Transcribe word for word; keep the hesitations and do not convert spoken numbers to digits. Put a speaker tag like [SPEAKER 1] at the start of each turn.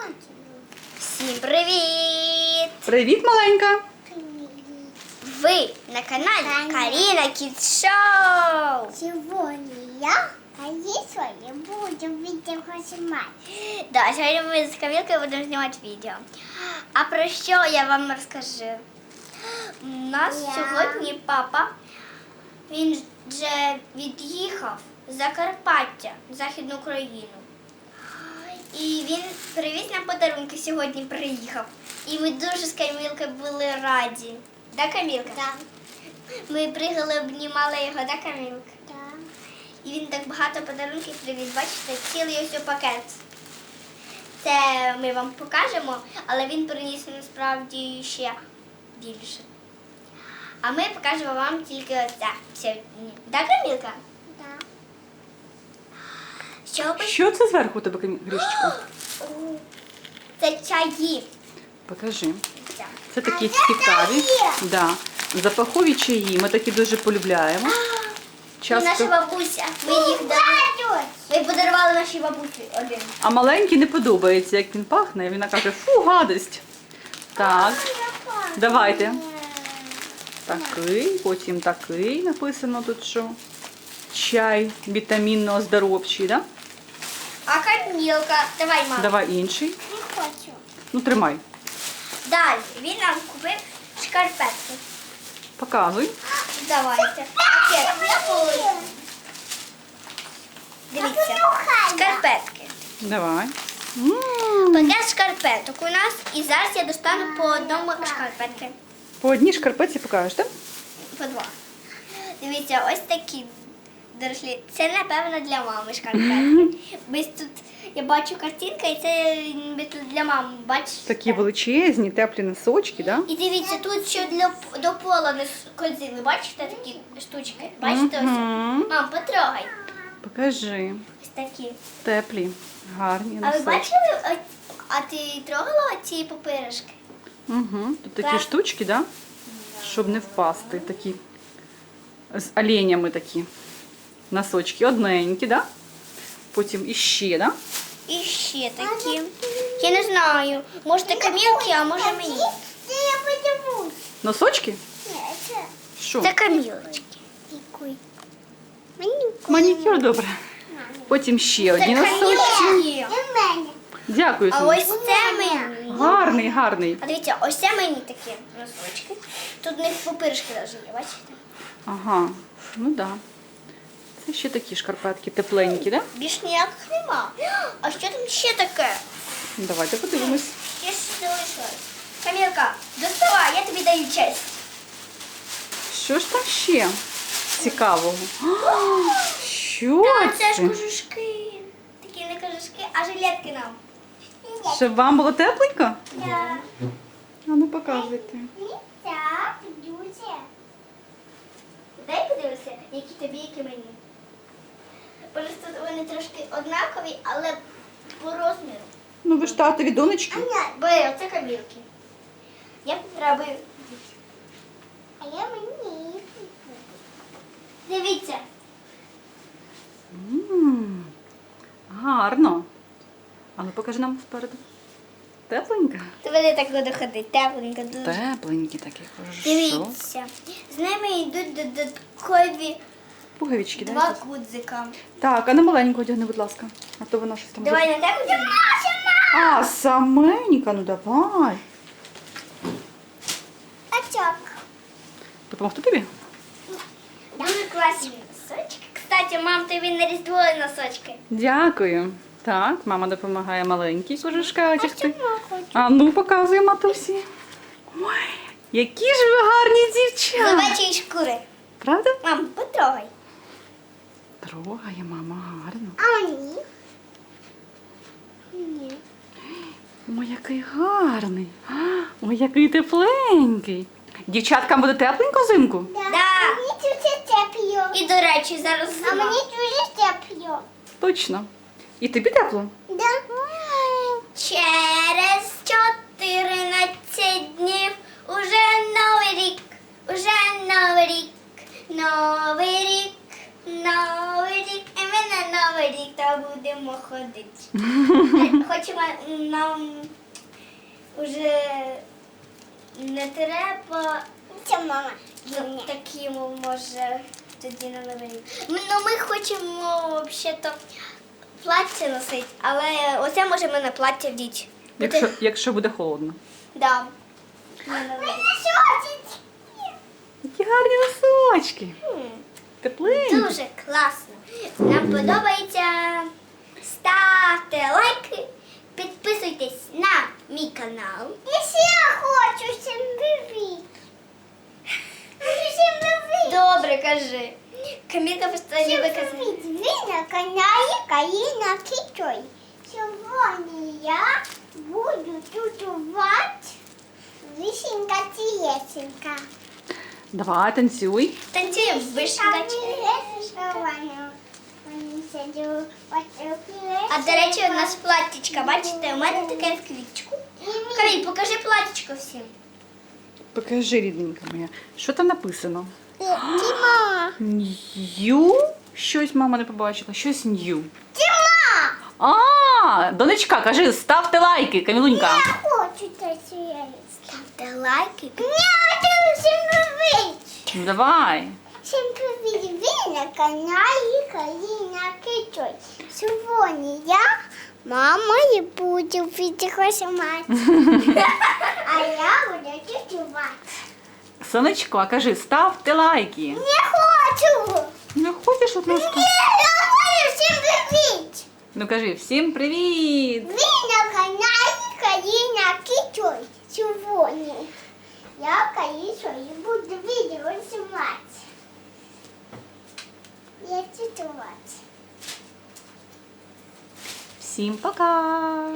[SPEAKER 1] Всім привіт!
[SPEAKER 2] Привіт, маленька!
[SPEAKER 1] Ви на каналі Каріна Кідс Шоу!
[SPEAKER 3] Сегодня я, конечно, я буду видео снимать.
[SPEAKER 1] Да, сьогодні ми з Камілкою будемо знімати відео. А про що я вам розкажу? У нас
[SPEAKER 3] Я.
[SPEAKER 1] сьогодні папа, він вже від'їхав з Закарпаття, в Західну Україну. І він привіз нам подарунки, сьогодні приїхав. І ми дуже з Камілкою були раді. Да, Камілка?
[SPEAKER 3] Да.
[SPEAKER 1] Ми приїхали, обнімали його, да, Камілка?
[SPEAKER 3] Да.
[SPEAKER 1] І він так багато подарунків привіз, бачите, цілий ось пакет. Це ми вам покажемо, але він приніс насправді ще більше. А ми покажемо вам тільки оце сьогодні. Да, Камілка?
[SPEAKER 3] Да.
[SPEAKER 1] Що ви?
[SPEAKER 2] Що це зверху у тебе, Грішечко?
[SPEAKER 1] Це чаї.
[SPEAKER 2] Покажи.
[SPEAKER 1] Це.
[SPEAKER 2] Це такі цікаві. Да. Запахові чаї. Ми такі дуже полюбляємо.
[SPEAKER 1] І наша
[SPEAKER 2] Часто.
[SPEAKER 1] бабуся. Ми їх дарували. Ми подарували нашій бабусі один.
[SPEAKER 2] А маленький не подобається, як він пахне. І вона каже, фу, гадость. Так, давайте. Такий, потім такий написано тут, що чай вітамінно-оздоровчий, да?
[SPEAKER 1] А Камілка, давай, мама.
[SPEAKER 2] Давай інший.
[SPEAKER 3] Не хочу.
[SPEAKER 2] Ну, тримай.
[SPEAKER 1] Далі він нам купив шкарпетки.
[SPEAKER 2] Показуй.
[SPEAKER 1] Давайте. Пакет. Дивіться. Шкарпетки.
[SPEAKER 2] Давай. М.
[SPEAKER 1] Пакет шкарпеток у нас. І зараз я достану по одному шкарпетки.
[SPEAKER 2] По одній шкарпетці покажеш, так?
[SPEAKER 1] По два. Дивіться, ось такі дорослі. Це, напевно, для мами шкарпетки. Ось тут я бачу картинка, і це ніби тут для мами. Бачите?
[SPEAKER 2] Такі величезні, теплі носочки, да?
[SPEAKER 1] І дивіться, тут ще для, до пола не скользили. Бачите такі штучки? Бачите ось?
[SPEAKER 2] Мгм.
[SPEAKER 1] Мам, потрогай.
[SPEAKER 2] Покажи.
[SPEAKER 1] Ось такі.
[SPEAKER 2] Теплі, гарні
[SPEAKER 1] А ви
[SPEAKER 2] носочки.
[SPEAKER 1] бачили, о- а ти трогала ці папиришки?
[SPEAKER 2] Угу. Тут такі
[SPEAKER 1] Так.
[SPEAKER 2] штучки, да? Щоб не впасти. Такі з оленями такі носочки. Одненькі, да? Потім іще, да?
[SPEAKER 1] І ще такі. Я не знаю. Може Камілки, а може мені.
[SPEAKER 3] Це я подивлюсь.
[SPEAKER 2] Носочки?
[SPEAKER 3] Ні, це
[SPEAKER 2] Що?
[SPEAKER 1] Це Камілочки.
[SPEAKER 3] такий. Мені
[SPEAKER 2] Манікюр, добре. Потім ще
[SPEAKER 1] Це
[SPEAKER 2] одні носочки.
[SPEAKER 1] Камілочки.
[SPEAKER 3] і мене.
[SPEAKER 2] Дякую,
[SPEAKER 1] А
[SPEAKER 2] Сонечко.
[SPEAKER 1] ось це мені.
[SPEAKER 2] Гарний, гарний.
[SPEAKER 1] А дивіться, ось це мені такі носочки. Тут в них папиришки навіть є, бачите?
[SPEAKER 2] Ага, ну да. Це ще такі шкарпетки тепленькі, да?
[SPEAKER 1] Більш ніяких нема. А що там ще таке?
[SPEAKER 2] Давайте подивимось.
[SPEAKER 1] Ще щось залишилось. Камілка, доставай, я тобі даю честь.
[SPEAKER 2] Що ж там ще цікавого? А, що
[SPEAKER 1] А, це ж
[SPEAKER 2] це?
[SPEAKER 1] кожушки. Такі не кожушки, а жилетки нам.
[SPEAKER 2] Щоб вам було тепленько?
[SPEAKER 1] Да.
[SPEAKER 2] А ну показуйте.
[SPEAKER 3] Так, дуже.
[SPEAKER 1] Дай подивися, які тобі, які мені. Просто вони трошки однакові, але по розміру.
[SPEAKER 2] Ну ви ж татові донечки.
[SPEAKER 1] Бери, оце Камілки. Я треба.
[SPEAKER 3] А я мені.
[SPEAKER 1] Дивіться.
[SPEAKER 2] М, гарно. А ну покажи нам спереду. Тепленько?
[SPEAKER 1] Ти вони так буду ходити, тепленько дуже.
[SPEAKER 2] Тепленькі такі, хорошо.
[SPEAKER 1] Дивіться. З ними йдуть додаткові
[SPEAKER 2] Пуговички, да?
[SPEAKER 1] два
[SPEAKER 2] якісь?
[SPEAKER 1] гудзика.
[SPEAKER 2] Так, а на маленьку одягни, будь ласка. А то вона щось там.
[SPEAKER 1] Давай на тебе. Дім.
[SPEAKER 2] А, саменька, ну давай.
[SPEAKER 3] А так.
[SPEAKER 2] Допомогти тобі?
[SPEAKER 1] Дуже класні носочки. Кстати, мам, тобі на різдво носочки.
[SPEAKER 2] Дякую. Так, мама допомагає маленькій кожушка одягти.
[SPEAKER 3] хочу.
[SPEAKER 2] А ну, показує матусі. Ой, які ж ви гарні дівчата.
[SPEAKER 1] Собачої шкури.
[SPEAKER 2] Правда?
[SPEAKER 1] Мам, потрогай.
[SPEAKER 2] Трогає мама гарно.
[SPEAKER 3] А мені? Ні.
[SPEAKER 2] Ой, який гарний. А, ой, який тепленький. Дівчаткам буде тепленько взимку?
[SPEAKER 3] Да.
[SPEAKER 1] Да.
[SPEAKER 3] Мені дуже тепло.
[SPEAKER 1] І, до речі, зараз
[SPEAKER 3] А
[SPEAKER 1] зима.
[SPEAKER 3] мені дуже тепло.
[SPEAKER 2] Точно. І тобі тепло?
[SPEAKER 3] Да.
[SPEAKER 1] Через чотирнадцять днів уже новий рік, уже новий рік, новий рік, новий рік, і ми на новий рік то будемо ходити. Хочемо нам вже не треба
[SPEAKER 3] Це мама.
[SPEAKER 1] ну, такі, може, тоді на Новий рік. Ми- Ну, ми хочемо взагалі-то плаття носити, але оце може ми на плаття вдіти.
[SPEAKER 2] Якщо, якщо буде холодно.
[SPEAKER 1] Да. На Новий рік.
[SPEAKER 2] Які гарні носочки.
[SPEAKER 1] М.
[SPEAKER 2] Тепленькі.
[SPEAKER 1] Дуже класно. Нам подобається. Ставте лайки, підписуйтесь на мій канал.
[SPEAKER 3] Я ще хочу всім привіт. Всім привіт.
[SPEAKER 1] Добре, кажи. Камілка просто
[SPEAKER 3] Всім
[SPEAKER 1] любить казати.
[SPEAKER 3] привіт. Ви на каналі Каїна Кітой. Сьогодні я буду тутувати вишенька тілесенька.
[SPEAKER 2] Давай, танцюй.
[SPEAKER 1] Танцюємо вишенька. А до речі, у нас платтячка, бачите, у мене таке в квіточку. Каміль, покажи платтячко всім.
[SPEAKER 2] Покажи, рідненька моя. Що там написано?
[SPEAKER 3] Тіма!
[SPEAKER 2] Нью? Щось мама не побачила. Щось нью.
[SPEAKER 3] Тіма!
[SPEAKER 2] А, донечка, кажи, ставте лайки, Камілунька.
[SPEAKER 3] Я хочу танцювати.
[SPEAKER 1] Ставте лайки.
[SPEAKER 3] Ні, всім привіт!
[SPEAKER 2] Ну, давай.
[SPEAKER 3] Всім привіт! Ви на каналі Каїна Кітой. Сьогодні я, мама, і буду відіграти. А я буду тутувати.
[SPEAKER 2] Сонечко, а кажи, ставте лайки.
[SPEAKER 3] Не хочу!
[SPEAKER 2] Не хочеш от нас тут?
[SPEAKER 3] Ні, я хочу всім привіт!
[SPEAKER 2] Ну кажи, всім привіт!
[SPEAKER 3] Ви на каналі Каїна Кітой. Сьогодні я Каїсо і буду відео знімати. Я тутувати.
[SPEAKER 2] Всім пока!